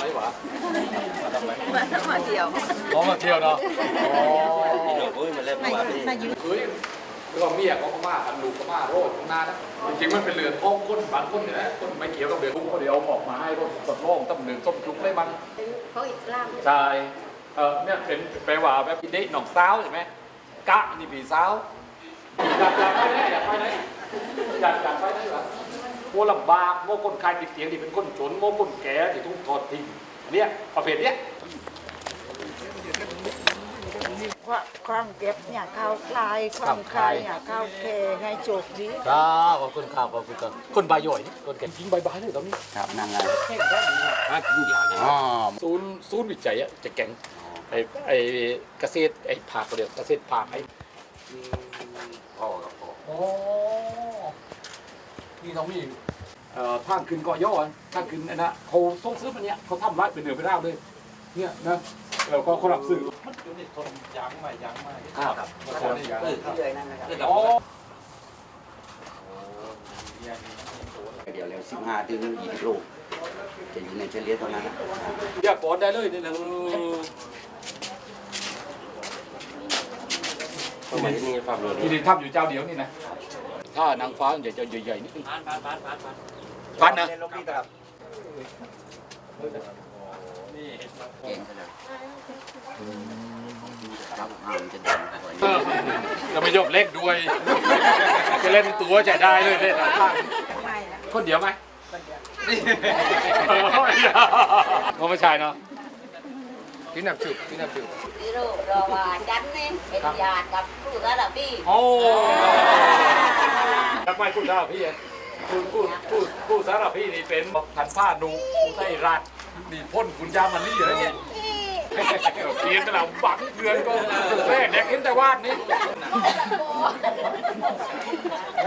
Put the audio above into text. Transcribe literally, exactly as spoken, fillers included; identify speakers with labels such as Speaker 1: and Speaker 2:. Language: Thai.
Speaker 1: หวะมาทำไม
Speaker 2: มามาเที่ยว
Speaker 1: อ๋อมาเที่ยวเนาะอ๋อ
Speaker 3: นี่หนูก็มาเล่นมาพี่
Speaker 1: เฮ้ยคือว่าเมียเขาก็มากันลูกก็มาโรดข้างหน้านะจริงๆมันเป็นเรือนท้องก้นบางก้นเนี่ยนะก้นไม่เกี่ยวกับเรือนกุ้งเขาเดี๋ยวเอาออกมาให้รถสดโล่งตั้งหนึ่งส้มจุกได้มัน
Speaker 2: เขาอีกล่าง
Speaker 1: ใช่เออเนี่ยเป็นแปลว่าแบบเด็กหนองสาวใช่ไหมกะนี่ผีสาวอยากอยากไปไหนอยากไปไหนอยากอยากไปไหนวะโมลำบากโมคนคายติดเตียงที่เป็นคนจนโมคนแก่ที่ต้องทอดทิ้งเนี่ยประเภทเนี้ย
Speaker 4: ความเก็บเนี่ยเข้าคลายความคลายเนี่ยเข้าเคให้โจกดี
Speaker 1: ครับขอบคุณครับขอบคุณครับคนบายย่อยนี่คนแก่ยิงใบใบเลยตอนนี้
Speaker 3: ครับนั่งไง
Speaker 1: แข่งแค่นี้ฮะยิงยาวเนี่ย
Speaker 3: อ๋อ
Speaker 1: ศูนย์ศูนย์วิจัยอะจะแก่งไอ้ไอ้เกษตรไอ้ผักเดียวเกษตรผักไอ้
Speaker 3: พ่อกับพ่อ
Speaker 1: โอ้นี่ต้องมีเอ่อทางขึ้นเกาะย่อทางขึ้นไอ้นะเขาส่งซื้อมันเนี้ยเขาทำไว้เป็นเหนือเป็นราวเลยเนี่ยนะแล้วก็เขารับซื้อมันอยู่ในต้นยางใหม่ยางใหม่ครับครับคนนี้ยาง
Speaker 3: เลยนั่นนะครับ
Speaker 1: อ๋อ
Speaker 3: เดี๋ยวเร็วสิบห้าถึงยี่สิบลูกจะอยู่ในเฉลี่ยตรงนั้นนะ
Speaker 1: อยากกอดได้เลยนี่นะ
Speaker 3: สมัยนี้ความรู้
Speaker 1: ที่ดินทำอยู่เจ้าเดียวนี่นะถ้านางฟ้าใหญ่จะใหญ่ๆนิดนึงพันพันพันพันพันนะ
Speaker 3: ลบนี่ครับเก่งไปเลยครับอ่ามันจะดังกว่านี้
Speaker 1: เราไม่ยกเล็กด้วยจะเล่นตัวจะได้เลยเล่นข้างคนเดียวไหมเขาไม่ใช่เนาะพี่นับจุดพี่นับจุด
Speaker 2: ที่รูปรอว่าจันนี่เป็นญาติกับผู้สารพี่
Speaker 1: โอ้ทำไมพูดได้พี่คุณพูดพูดพูดสารพี่นี่เป็นทันผ้าดูผู้ใต้รัฐนี่พ่นคุณยามันนี่เหรอเนี่ยเกียนแต่เราบังเพื่อนก็แรกแดกเห็นแต่วาดนี่